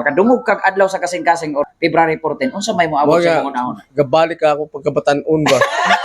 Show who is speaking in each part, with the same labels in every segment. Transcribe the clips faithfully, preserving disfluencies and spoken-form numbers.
Speaker 1: makadungog kag adlaw sa kasing-kasing or February fourteen, unsa may moabot sa pangunahon?
Speaker 2: Gabalik ka ako pagkabataon ba?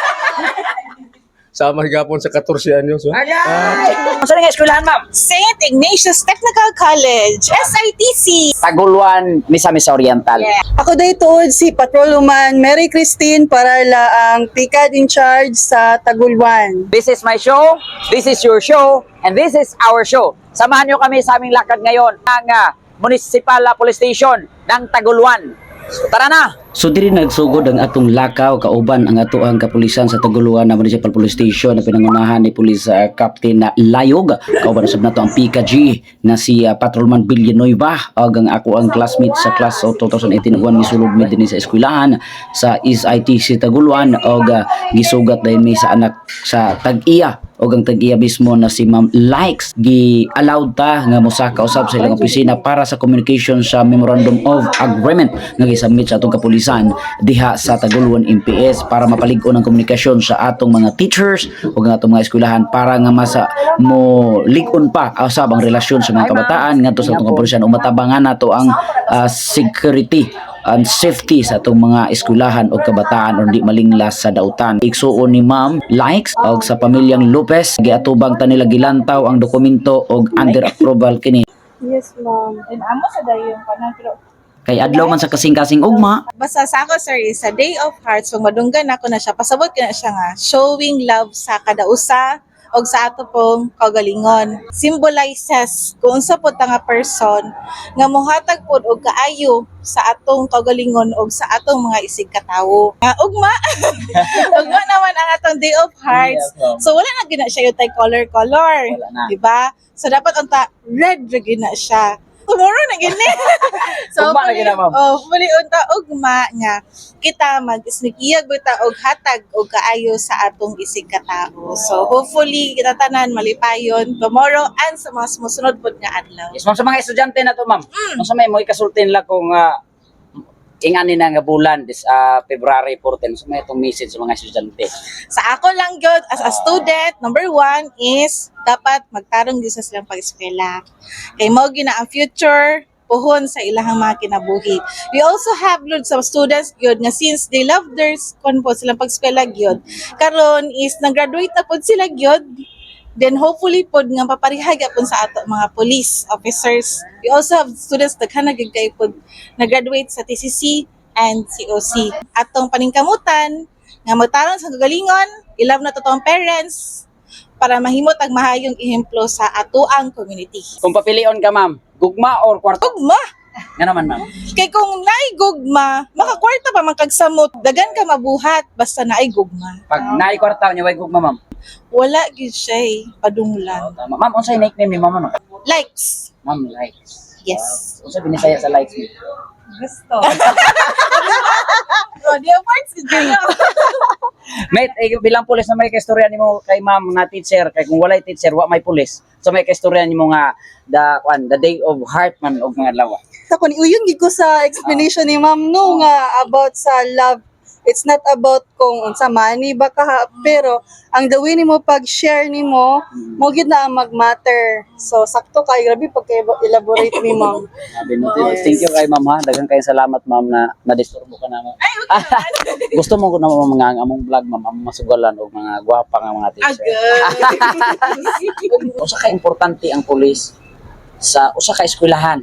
Speaker 2: Sama higapon sa fourteen anyos.
Speaker 1: Ay! Unsa nga eskwelahan, ma'am?
Speaker 3: Saint Ignatius Technical College, S I T C.
Speaker 1: Taguluan, Misamis Oriental.
Speaker 3: Yeah.
Speaker 4: Ako day tuod si Patrolwoman Mary Christine Parala, ang pikad in charge sa Taguluan.
Speaker 1: This is my show, this is your show, and this is our show. Samahan nyo kami sa aming lakad ngayon ng uh, Municipal Police Station ng Taguluan. So, tara na!
Speaker 5: So diri nagsugod ang atong lakaw kauban ang ato ang kapulisan sa Taguluan na Municipal Police Station na pinangunahan ni Police uh, Captain na Layog. Kauban sab nato ang P K G na si uh, Patrolman Villanueva ug ang ako ang classmate sa class of twenty eighteen uwan misulod mi dinhi sa eskwelahan sa S I T C Taguluan ug uh, gisugat dahil mi sa anak sa Tag-iya o ang tag-iya mismo na si Ma'am Likes gi-allowed ta nga mosaka usab sa ilang opisina para sa communication sa Memorandum of Agreement nga gisubmit sa atong kapulisan diha sa Taguluan M P S para mapalig-on ang komunikasyon sa atong mga teachers o ang atong mga eskwelahan para nga masa mo lig-on pa usab ang relasyon sa mga kabataan ngadto sa atong kapulisan o matabangan nato ang uh, security and safety sa atong mga eskwelahan o kabataan o di malinglas sa dautan. Igsuon ni Ma'am Likes og sa pamilyang Lopez giatubang ta nila gilantaw ang dokumento og under approval kini.
Speaker 4: Yes, ma'am.
Speaker 3: And amo sa dayon kanan pero
Speaker 5: Kay adlaw man sa kasing-kasing ugma.
Speaker 3: basta sa ako sir is a day of hearts so madunggan ako na siya pasabot ko na siya nga showing love sa kada usa og sa ato pong kaugalingon symbolizes kung unsa po ta nga person nga mohatag pod og kaayo sa atong kaugalingon og sa atong mga isig katawo nga ugma ugma naman ang atong day of hearts so wala na gina siya yung tay color color di ba so dapat unta red ra gina siya tomorrow na gini. So,
Speaker 1: Ugma na gina, ma'am.
Speaker 3: Oh, muli unta ugma nga kita mag-isnikiyag bita og hatag og kaayo sa atong isig katao. So, hopefully kita tanan malipayon tomorrow and sa mga sumusunod pod nga adlaw.
Speaker 1: Yes, ma'am, sa mga estudyante na to, ma'am.
Speaker 3: Mm.
Speaker 1: Unsa may mo ikasultin la kung uh, ingani na nga bulan this uh, February fourteen. So may itong message sa mga estudyante.
Speaker 3: Sa ako lang gyud as a student, number one is dapat magtarong gyud sa silang pag-eskwela. Kay mao gyud na ang future puhon sa ilahang mga kinabuhi. We also have load sa students gyud nga since they love their kon po silang pag-eskwela gyud. Karon is nag-graduate na pod sila gyud. Then hopefully pod nga paparihag pud sa ato mga police officers. We also have students daghan na gyud kay pod nag-graduate sa T C C and C O C. Atong paningkamutan nga magtarong sa kagalingon, ilove na totoong parents para mahimot ang mahayong ehemplo sa atoang community.
Speaker 1: Kung papilion ka, ma'am, gugma or kwarto?
Speaker 3: Gugma!
Speaker 1: Nga naman, ma'am.
Speaker 3: Kay kung naay gugma, makakwarta pa man kagsamot, dagan ka mabuhat basta naay gugma.
Speaker 1: Pag naay kwarta niya, way gugma, ma'am.
Speaker 3: Wala gyud siya eh, padunglan.
Speaker 1: Tama. Ma'am, unsay nickname ni ma'am, ano?
Speaker 3: Likes.
Speaker 1: Ma'am, likes.
Speaker 3: Yes.
Speaker 1: Unsa binisaya sa likes mo?
Speaker 3: Gusto. Oh, di parts gyud.
Speaker 1: Mate, eh, bilang pulis na may kaistorya nimo kay ma'am na teacher, kay kung walay teacher, wa may pulis. So may kaistorya nimo nga the kwan, the day of heart man og mga adlaw.
Speaker 4: Tako ni uyon gid ko sa explanation ni ma'am no nga about sa love. It's not about kung unsa money ba ka ha, pero ang the way nimo pag-share nimo mo gid na ang mag-matter. So sakto kay grabe pag elaborate ni ma'am.
Speaker 1: Sabi mo, thank you kay ma'am ha. Daghang kay salamat ma'am na na-disturbo ka naman. Gusto mo ko na mga among vlog ma'am, among masugalan og mga gwapa nga mga teacher. Usa ka importante ang pulis sa usa ka eskwelahan.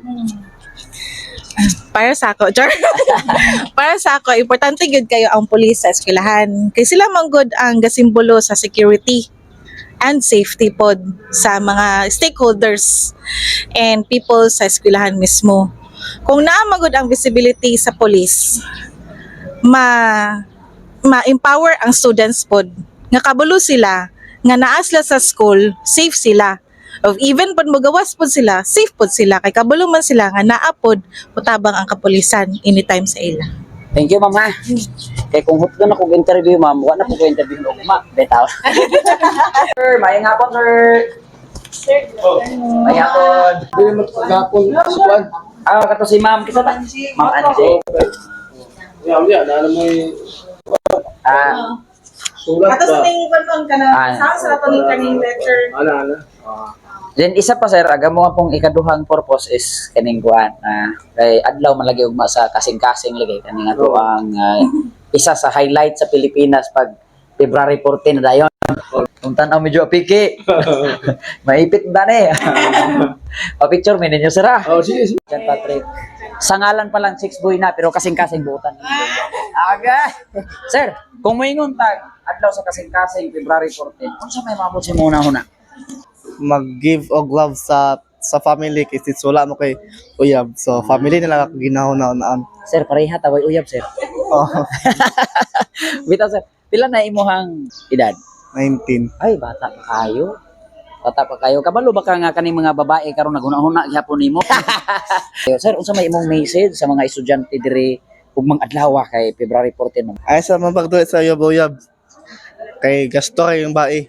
Speaker 3: Para sa ako, Char. Para sa ako, importante gyud kayo ang pulis sa eskwelahan. Kay sila man gud ang gasimbolo sa security and safety pod sa mga stakeholders and people sa eskwelahan mismo. Kung naa man gud ang visibility sa police, ma ma-empower ang students pod nga kabulo sila nga naa sila sa school, safe sila. Of even pud magawas pod sila, safe pod sila kay kabalo man sila nga naa pod mutabang ang kapulisan anytime sa ila.
Speaker 1: Thank you ma'am ha. Kay kung hutdo na kog interview ma'am, wa na po ko interview og ma, betaw. Sir, mayang hapon sir.
Speaker 3: Sir,
Speaker 1: Mayang hapon.
Speaker 2: Dili mo gapon sa kwan.
Speaker 1: Ah, kato si ma'am, kisa ba? Ma'am Angie.
Speaker 2: Ya, ya, na mo
Speaker 1: Ah,
Speaker 2: Sulat
Speaker 3: Ato sa
Speaker 2: ba?
Speaker 3: ning konton ka na,
Speaker 1: Ah.
Speaker 3: sa sa ato ning kaning lecture.
Speaker 2: Ano, ano?
Speaker 1: Then isa pa sir, aga mo nga pong ikaduhang purpose is kaning kuan ah, kay adlaw man lagi ugma sa kasing-kasing lagi kaning ato ang ah, isa sa highlight sa Pilipinas pag February fourteen na dayon. Kung tanaw medyo apiki. Maipit ba ni? O picture mi ninyo sir ah.
Speaker 2: Oh, sige, sige.
Speaker 1: Jan Patrick. Sa ngalan pa lang six boy na pero kasing-kasing buutan. Aga. Sir, kung moingon tag adlaw sa kasing-kasing February fourteen, unsa may mabot si muna huna?
Speaker 6: mag-give og love sa sa family kasi wala mo kay uyab. So family nila ako ginahuna-unaan.
Speaker 1: Sir, pareha taway uyab sir.
Speaker 6: Oh,
Speaker 1: Bitaw sir, pila na imuhang edad?
Speaker 6: nineteen.
Speaker 1: Ay, bata pa kayo. Bata pa kayo. Kabalo ba ka nga kaning mga babae karon naguna-huna gyapon nimo? Sir, unsa may imong message sa mga estudyante diri ugmang adlaw kay February fourteen? ma'am?
Speaker 6: Ay sa mapagdulit sa uyab-uyab. Kay gasto kay yung bae.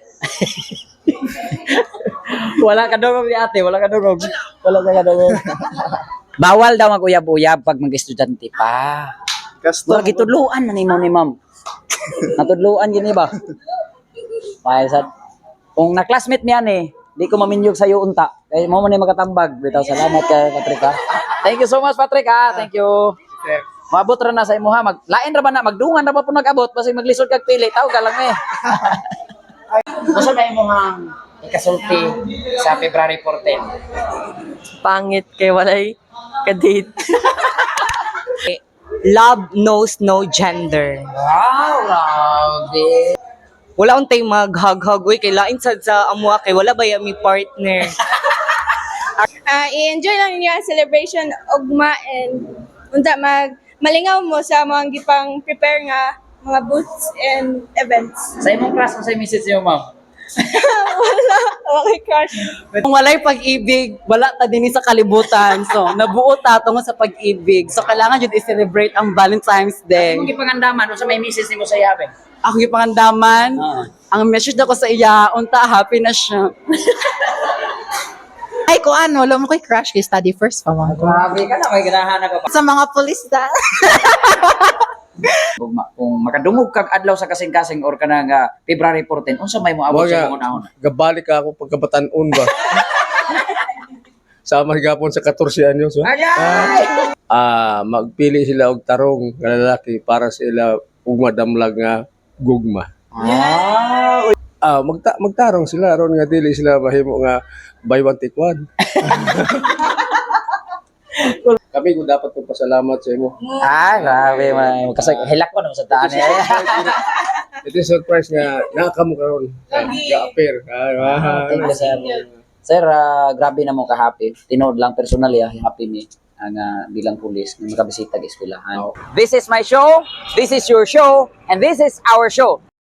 Speaker 1: Wala ka dungog ni ate, wala ka dungog. Wala ka dungog. Bawal daw mag-uyab-uyab pag mag-estudyante pa.
Speaker 6: Gasto.
Speaker 1: Wala gitudluan na ni ma'am ni ma'am. Natudluan gini ba? May sad. Kung na-classmate niyan eh, di ko maminyog sa iyo unta. Kaya mo man ni makatambag. Bitaw salamat kay Patrick ha. Thank you so much Patrick ha. Thank you. Maabot ra na sa imo ha. Mag lain ra ba na magdungan ra ba po nag-abot basta maglisod kag pili. Taw ka lang eh. Unsa may imong ikasulti sa February fourteen?
Speaker 7: Pangit kay walay kadate. Love knows no gender.
Speaker 1: Wow, grabe.
Speaker 7: Wala untay mag-hug-hug uy kay lain sad sa amwa kay wala ba mi partner.
Speaker 8: Ah, i-enjoy lang niyo ang celebration ugma and unta mag malingaw mo sa mga gipang prepare nga mga booths and events.
Speaker 1: Sa imong class sa message niyo ma'am.
Speaker 8: Wala, okay crush.
Speaker 7: Kung walay pag-ibig, wala ta dinhi sa kalibutan. So nabuo ta tungo sa pag-ibig. So kailangan jud i-celebrate ang Valentine's Day.
Speaker 1: Kung gipangandaman unsa may message nimo sa yabe?
Speaker 7: Ako gipangandaman,
Speaker 1: Ah.
Speaker 7: ang message ko sa iya, unta happy na siya.
Speaker 9: Ay, kung ano, wala mo ko'y crush kay study first pa mo.
Speaker 1: Grabe ka na, may ganahan ako pa.
Speaker 9: Sa mga pulis da.
Speaker 1: Kung, ma- kung makadungog kag adlaw sa kasing-kasing or kanang uh, February fourteen, unsa may moabot sa
Speaker 2: Mga,
Speaker 1: imong unahon?
Speaker 2: gabalik ka ako pagkabatanon ba? Sama gapon sa fourteen anyos. Ba?
Speaker 1: Agay!
Speaker 2: Ah, magpili sila og tarong nga lalaki para sila ug madamlag nga gugma.
Speaker 1: Ah,
Speaker 2: Ah, magta magtarong sila ron nga dili sila mahimo nga buy one take one. Kami ko dapat magpasalamat sa imo.
Speaker 1: ah, grabe man. Kasi hilak ko na sa taan eh.
Speaker 2: Ito yung surprise nga nakakamo karon. Ga-appear. Ah,
Speaker 1: Thank you, sir. Sir, ah, grabe na mo ka-happy. Tinood lang personally, ah, happy me ang ah, bilang pulis na makabisita sa eskwelahan. This is my show, this is your show, and this is our show.